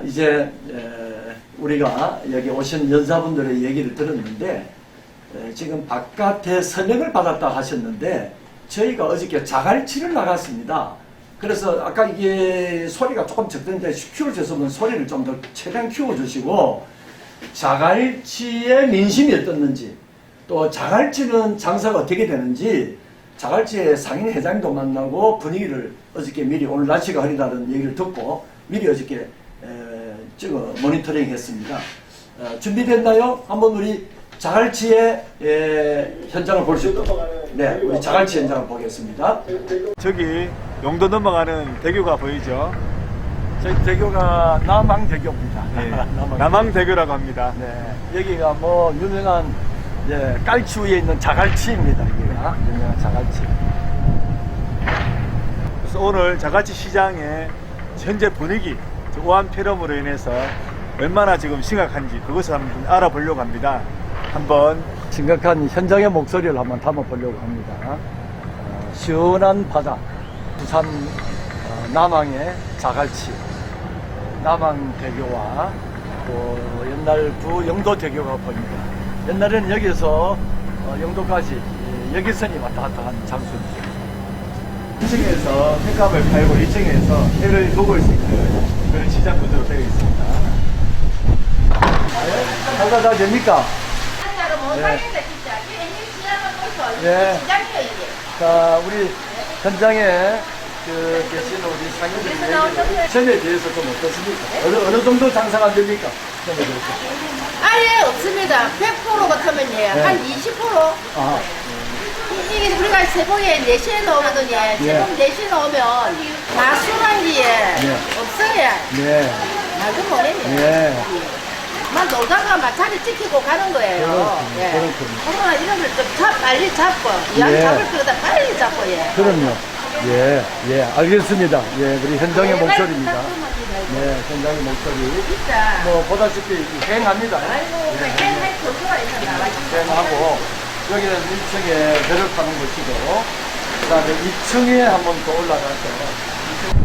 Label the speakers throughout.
Speaker 1: 이제 우리가 여기 오신 연사분들의 얘기를 들었는데 지금 바깥에 서명을 받았다 하셨는데 저희가 어저께 자갈치를 나갔습니다. 그래서 아까 이게 소리가 조금 적던데 키워주셨으면 소리를 좀 더 최대한 키워주시고 자갈치의 민심이 어떻는지 또 자갈치는 장사가 어떻게 되는지 자갈치의 상인 회장도 만나고 분위기를 어저께 미리 오늘 날씨가 흐리다는 얘기를 듣고 미리 어저께 모니터링 했습니다. 준비됐나요? 한번 우리 자갈치의 현장을 볼 수 있도록 네, 우리 자갈치 현장을 보겠습니다.
Speaker 2: 저기 용도 넘어가는 대교가 보이죠?
Speaker 1: 저희 대교가 남항대교입니다.
Speaker 2: 네, 남항대교라고 합니다.
Speaker 1: 네, 여기가 뭐 유명한 깔치 위에 있는 자갈치입니다. 여기가 유명한 자갈치.
Speaker 2: 그래서 오늘 자갈치 시장의 현재 분위기, 오한 폐렴으로 인해서 얼마나 지금 심각한지 그것을 한번 알아보려고 합니다. 한번
Speaker 1: 심각한 현장의 목소리를 한번 담아보려고 합니다. 시원한 바다, 부산 남항의 자갈치, 남항대교와 또 옛날 부영도대교가 보입니다. 옛날에는 여기서 영도까지 여기선이 왔다 갔다 한 장소입니다.
Speaker 2: 1층에서 횟값을 팔고 2층에서 회를 먹을 수 있는 그런 시장 구조로 되어 있습니다.
Speaker 1: 장사 잘 됩니까?
Speaker 3: 네.
Speaker 1: 예. 자, 우리 현장에 계신 우리 상인들의 점에 대해서 좀 어떻습니까? 어느 정도 장사가 안 됩니까? 점에 대해서.
Speaker 3: 아예 없습니다. 100% 같으면 예.
Speaker 1: 네.
Speaker 3: 한 20%?
Speaker 1: 아,
Speaker 3: 이게 우리가 새벽에 4시에 나오거든요. 새벽 4시에 나오면 마수란 게 없어요.
Speaker 1: 네.
Speaker 3: 말도 못해요.
Speaker 1: 네.
Speaker 3: 막 놀다가 막 자리 지키고 가는 거예요.
Speaker 1: 그렇군요.
Speaker 3: 코로나 이런 걸 좀 빨리 잡고, 이왕
Speaker 1: 예.
Speaker 3: 잡을 거다 빨리 잡고, 예.
Speaker 1: 그럼요. 예, 알겠습니다. 예, 우리 현장의 목소리입니다. 네, 현장의 목소리.
Speaker 3: 진짜.
Speaker 1: 뭐, 보다시피 행합니다.
Speaker 3: 아이고, 할 교수가 있어 나가지고.
Speaker 1: 행하고, 여기는 1층에 배를 타는 곳이고, 그 다음에 2층에 한번 더 올라가서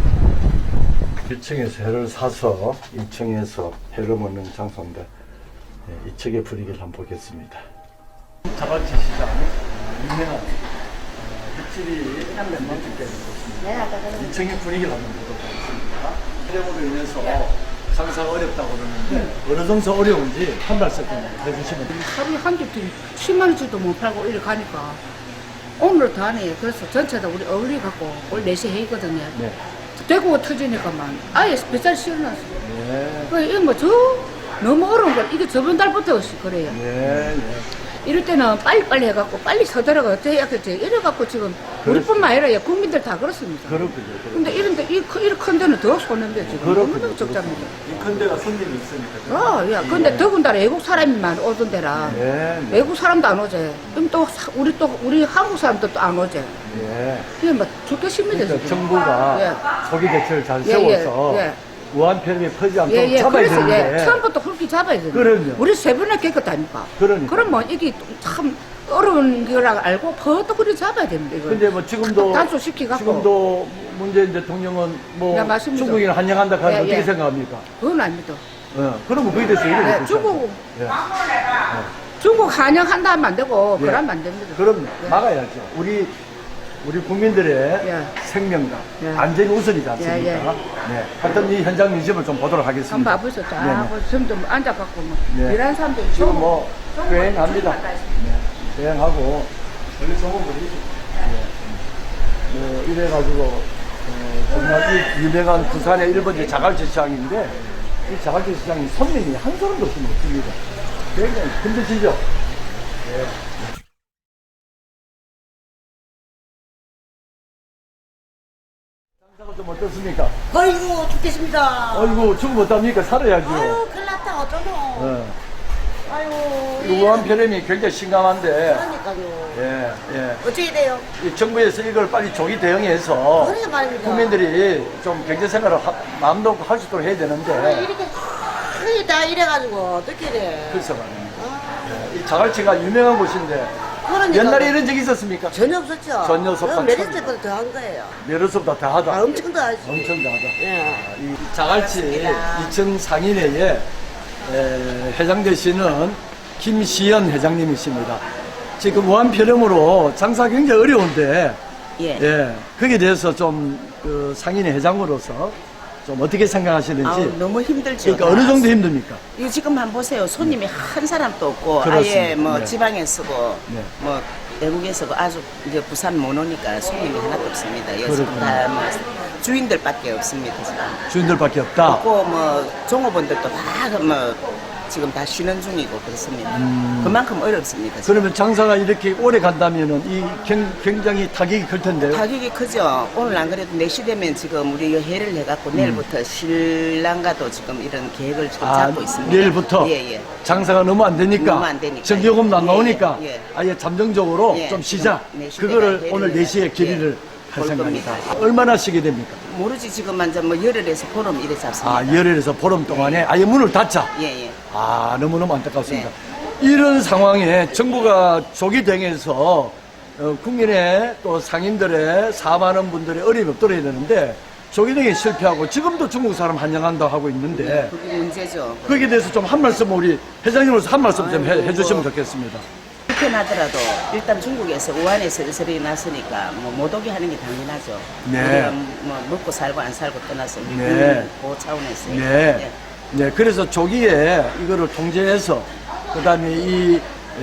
Speaker 1: 1층에서 회를 사서 2층에서 회를 먹는 장소인데, 네, 2층의 분위기를 한번 보겠습니다. 자갈치 시장, 유명한 횟집이 한몇만큼 되는 곳입니다.
Speaker 3: 네, 아까 그런
Speaker 1: 2층의 분위기를 한번 보도록 하겠습니다. 폐렴으로 인해서 장사가 어렵다고 그러는데 어느 정도 어려운지 한 말씀 해주시면 됩니다.
Speaker 4: 하루에 한 개씩 10만 원씩도 못 팔고 이렇게 가니까 오늘 다 하네. 그래서 전체 다 우리 어울리 갖고 올 4시 회거든요.
Speaker 1: 네.
Speaker 4: 대구가 터지니까만 아예 뱃살 씌워놨어.
Speaker 1: 네.
Speaker 4: 그 이거 뭐 너무 어려운 걸 이게 저번 달부터 그래요.
Speaker 1: 네.
Speaker 4: 이럴 때는 빨리빨리 해갖고 빨리 서들어가 어떻게 해야겠지. 이래갖고 지금 우리뿐만 아니라 국민들 다 그렇습니다.
Speaker 1: 그렇군요.
Speaker 4: 근데 이런데 이런 큰 데는 더 손해인데 지금 너무 적답니다.
Speaker 1: 이 큰 데가 손님이 있으니까.
Speaker 4: 야, 근데 더군다나 외국 사람이만 오던 데라
Speaker 1: 네.
Speaker 4: 외국 사람도 안 오지. 그럼 우리 한국 사람도 안 오지.
Speaker 1: 네.
Speaker 4: 이게 막 죽겠습니다.
Speaker 1: 그러니까
Speaker 4: 지금.
Speaker 1: 정부가 소비 대책을 잘
Speaker 4: 예,
Speaker 1: 세워서
Speaker 4: 예.
Speaker 1: 우한폐렴이 퍼지지 않도록 잡아야
Speaker 4: 그래서
Speaker 1: 되는데.
Speaker 4: 처음부터 훑기 잡아야 돼.
Speaker 1: 그럼요.
Speaker 4: 우리 세 번에 깨끗하니까.
Speaker 1: 그러니까.
Speaker 4: 그럼 뭐 이게 참 어려운 거라 알고 퍼도 그리 잡아야 됩니다. 이거.
Speaker 1: 근데 뭐 지금도
Speaker 4: 단속시키갖고.
Speaker 1: 지금도 문재인 대통령은 뭐
Speaker 4: 네, 맞습니다.
Speaker 1: 중국인을 환영한다 하면
Speaker 4: 예,
Speaker 1: 어떻게
Speaker 4: 예.
Speaker 1: 생각합니까?
Speaker 4: 그건 아닙니다.
Speaker 1: 그러면 그게 됐어요. 이래
Speaker 4: 네,
Speaker 1: 됐죠.
Speaker 4: 중국 환영한다 하면 안 되고
Speaker 1: 예.
Speaker 4: 그러면 안 됩니다.
Speaker 1: 그럼
Speaker 4: 예.
Speaker 1: 막아야죠. 우리 국민들의
Speaker 4: 예.
Speaker 1: 생명과
Speaker 4: 예.
Speaker 1: 안전이 우선이지 않습니까?
Speaker 4: 예, 예.
Speaker 1: 네. 하여튼 이 현장 민심을 좀 보도록
Speaker 4: 한번
Speaker 1: 하겠습니다.
Speaker 4: 봐보세요.
Speaker 1: 네,
Speaker 4: 쫙 좀더 앉아갖고 뭐
Speaker 1: 네.
Speaker 4: 일하는 사람들
Speaker 1: 지금 뭐 여행합니다. 여행하고 원래 정원들이 뭐 이래가지고 정말 이 유명한 부산의 1번지 자갈치 시장인데 이 자갈치 시장이 손님이 한 사람도 없으면 없습니다. 굉장히 힘드시죠? 네. 장사가 좀 어떻습니까?
Speaker 5: 아이고 죽겠습니다.
Speaker 1: 아이고 죽으면 어떡합니까? 살아야죠.
Speaker 5: 아유 큰일 났다 어쩌노.
Speaker 1: 네.
Speaker 5: 아유
Speaker 1: 우한폐렴이 굉장히 심각한데
Speaker 5: 그러니까요.
Speaker 1: 예.
Speaker 5: 어떻게 돼요?
Speaker 1: 이 정부에서 이걸 빨리 조기 대응해서
Speaker 5: 그러게 말입니다.
Speaker 1: 국민들이 좀 경제생활을 마음 놓고 할 수 있도록 해야 되는데
Speaker 5: 이렇게 크게 다 이래가지고 어떻게 돼?
Speaker 1: 글쎄 말입니다.
Speaker 5: 아,
Speaker 1: 이 자갈치가 유명한 곳인데
Speaker 5: 그러니까
Speaker 1: 옛날에 이런 적이 있었습니까?
Speaker 5: 전혀 없었죠.
Speaker 1: 전혀 없었다.
Speaker 5: 메리스 때보다 더 한 거예요.
Speaker 1: 메르스보다 더하다.
Speaker 5: 아, 엄청 더 하지.
Speaker 1: 엄청 더하다.
Speaker 5: 예.
Speaker 1: 이 자갈치
Speaker 5: 반갑습니다.
Speaker 1: 2층 상인회의 회장 되시는 김시연 회장님이십니다. 지금 무한폐렴으로 장사 굉장히 어려운데,
Speaker 6: 예.
Speaker 1: 거기에 대해서 좀 그 상인회 회장으로서 좀 어떻게 생각하시는지.
Speaker 6: 아우, 너무 힘들죠.
Speaker 1: 그러니까 어느 정도 힘듭니까?
Speaker 6: 이거 지금 한번 보세요. 손님이 한 사람도 없고
Speaker 1: 그렇습니다.
Speaker 6: 아예 뭐
Speaker 1: 네.
Speaker 6: 지방에 쓰고
Speaker 1: 네.
Speaker 6: 뭐 외국에 쓰고 아주 이제 부산 못 오니까 손님이 하나도 없습니다. 여기서
Speaker 1: 그렇군요.
Speaker 6: 다뭐 주인들밖에 없습니다. 지금.
Speaker 1: 주인들밖에 없다.
Speaker 6: 없고 뭐 종업원들도 다 뭐 지금 다 쉬는 중이고 그렇습니다. 그만큼 어렵습니다. 지금.
Speaker 1: 그러면 장사가 이렇게 오래 간다면은 이 굉장히 타격이 클 텐데요.
Speaker 6: 가격이 크죠. 오늘 안 그래도 4시 되면 지금 우리 회를 해갖고 내일부터 신랑과도 지금 이런 계획을 지금 잡고 있습니다.
Speaker 1: 내일부터
Speaker 6: 예.
Speaker 1: 장사가 너무 안 되니까,
Speaker 6: 너무 안 되니까.
Speaker 1: 전기요금도 안
Speaker 6: 예,
Speaker 1: 나오니까
Speaker 6: 예.
Speaker 1: 아예 잠정적으로
Speaker 6: 예,
Speaker 1: 좀 쉬자.
Speaker 6: 네 시대가
Speaker 1: 그거를
Speaker 6: 회를
Speaker 1: 오늘 4시에
Speaker 6: 해가지고,
Speaker 1: 결의를
Speaker 6: 예,
Speaker 1: 할
Speaker 6: 볼
Speaker 1: 생각입니다.
Speaker 6: 겁니다.
Speaker 1: 얼마나 쉬게 됩니까?
Speaker 6: 모르지 지금 완전 뭐 열흘에서 보름 이래 잡습니다.
Speaker 1: 아, 열흘에서 보름 동안에 아예 문을 닫자.
Speaker 6: 예.
Speaker 1: 아, 너무너무 안타깝습니다.
Speaker 6: 네.
Speaker 1: 이런 상황에 정부가 조기 대응해서 국민의 또 상인들의 사업하는 분들의 어려움이 없도록 해야 되는데 조기 대응에 실패하고 지금도 중국 사람 환영한다고 하고 있는데
Speaker 6: 그게 문제죠.
Speaker 1: 거기에 대해서 좀 한 말씀 우리 회장님으로서 한 말씀 좀
Speaker 6: 아이고,
Speaker 1: 해주시면
Speaker 6: 뭐.
Speaker 1: 좋겠습니다.
Speaker 6: 불편하더라도 일단 중국에서 우한에서 이슬이 났으니까 뭐 못 오게 하는 게 당연하죠.
Speaker 1: 네.
Speaker 6: 우리가 뭐 먹고 살고 안 살고 떠나서 우리
Speaker 1: 네.
Speaker 6: 그 차원에서
Speaker 1: 네. 네, 그래서 조기에 이거를 통제해서 그다음에 이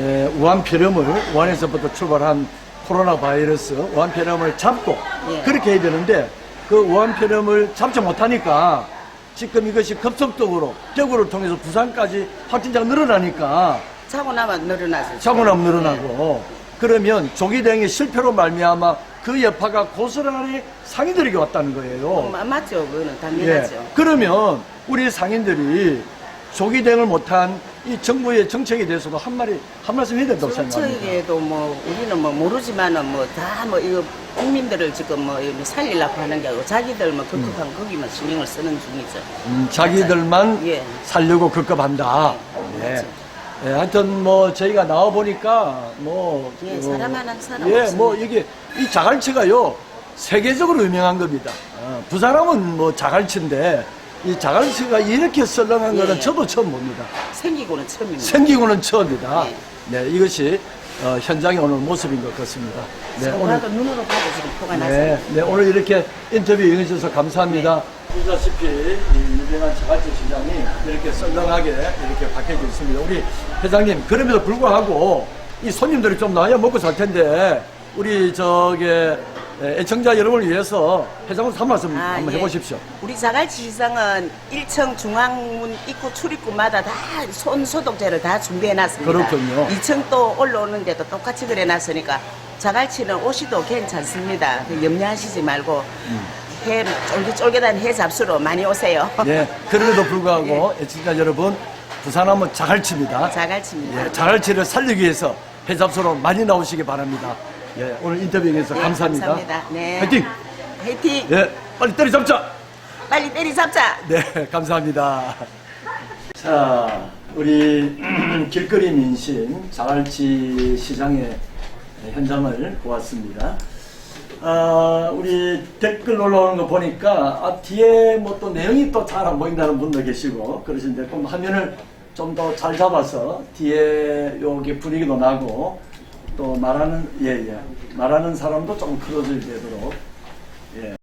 Speaker 1: 우한폐렴을 우한에서부터 출발한 코로나 바이러스 우한폐렴을 잡고
Speaker 6: 예.
Speaker 1: 그렇게 해야 되는데 그 우한폐렴을 잡지 못하니까 지금 이것이 급속도로 대구를 통해서 부산까지 확진자가 늘어나니까
Speaker 6: 차고 나면 늘어나죠.
Speaker 1: 차고나면 늘어나고 그러면 조기 대응의 실패로 말미암아 그 여파가 고스란히 상인들에게 왔다는 거예요.
Speaker 6: 맞죠. 그거는
Speaker 1: 예.
Speaker 6: 당연하죠.
Speaker 1: 그러면 우리 상인들이 조기 대응을 못한 이 정부의 정책에 대해서도 한 말씀 해야 된다고 생각합니다.
Speaker 6: 저에게도 뭐 우리는 뭐 모르지만은 뭐 다 뭐 이거 국민들을 지금 뭐 살리려고 하는 게 아니고 자기들 뭐 급급한 거기만 신경을 쓰는 중이죠.
Speaker 1: 자기들만
Speaker 6: 예.
Speaker 1: 살려고 급급한다.
Speaker 6: 예,
Speaker 1: 예.
Speaker 6: 맞죠.
Speaker 1: 예, 하여튼 뭐 저희가 나와 보니까 뭐
Speaker 6: 예, 사람 하나 사람
Speaker 1: 예,
Speaker 6: 없습니다.
Speaker 1: 뭐 이게 이 자갈치가요 세계적으로 유명한 겁니다. 부사람은 뭐 자갈치인데 이 자갈치가 이렇게 썰렁한
Speaker 6: 예,
Speaker 1: 거는
Speaker 6: 예.
Speaker 1: 저도 처음 봅니다.
Speaker 6: 생기고는 처음입니다.
Speaker 1: 생기고는 처음이다.
Speaker 6: 예.
Speaker 1: 네, 이것이 현장의 오늘 모습인 것 같습니다. 네, 오늘
Speaker 6: 봐도 눈으로 봐도 지금 포가 나서
Speaker 1: 네, 네, 오늘 이렇게 인터뷰 응해주셔서 감사합니다. 보시다시피 이 유명한 자갈치 시장이 이렇게 썰렁하게 이렇게 바뀌어져 있습니다. 우리 회장님, 그럼에도 불구하고 이 손님들이 좀 나야 먹고 살 텐데 우리 애청자 여러분을 위해서 회장으로서 한 말씀 한번
Speaker 6: 예.
Speaker 1: 해보십시오.
Speaker 6: 우리 자갈치 시장은 1층 중앙문 입구 출입구마다 다 손 소독제를 다 준비해 놨습니다.
Speaker 1: 그렇군요.
Speaker 6: 2층 또 올라오는데도 똑같이 그래 놨으니까 자갈치는 오시도 괜찮습니다. 염려하시지 말고 해 쫄깃쫄깃한 해 잡수로 많이 오세요.
Speaker 1: 네, 그럼에도 불구하고 애청자 여러분, 부산하면 자갈치입니다.
Speaker 6: 자갈치입니다.
Speaker 1: 예, 자갈치를 살리기 위해서 해잡소로 많이 나오시기 바랍니다. 예, 오늘 인터뷰에서
Speaker 6: 네,
Speaker 1: 감사합니다.
Speaker 6: 감사합니다. 네.
Speaker 1: 화이팅!
Speaker 6: 화이팅!
Speaker 1: 예, 빨리 때려잡자!
Speaker 6: 빨리 때리 잡자!
Speaker 1: 네, 감사합니다. 자, 우리 길거리 민심 자갈치 시장의 현장을 보았습니다. 우리 댓글 올라오는 거 보니까 뒤에 뭐 또 내용이 또 잘 안 보인다는 분도 계시고 그러신데 그럼 화면을 좀 더 잘 잡아서 뒤에 여기 분위기도 나고 또 말하는 말하는 사람도 좀 클로즈 되도록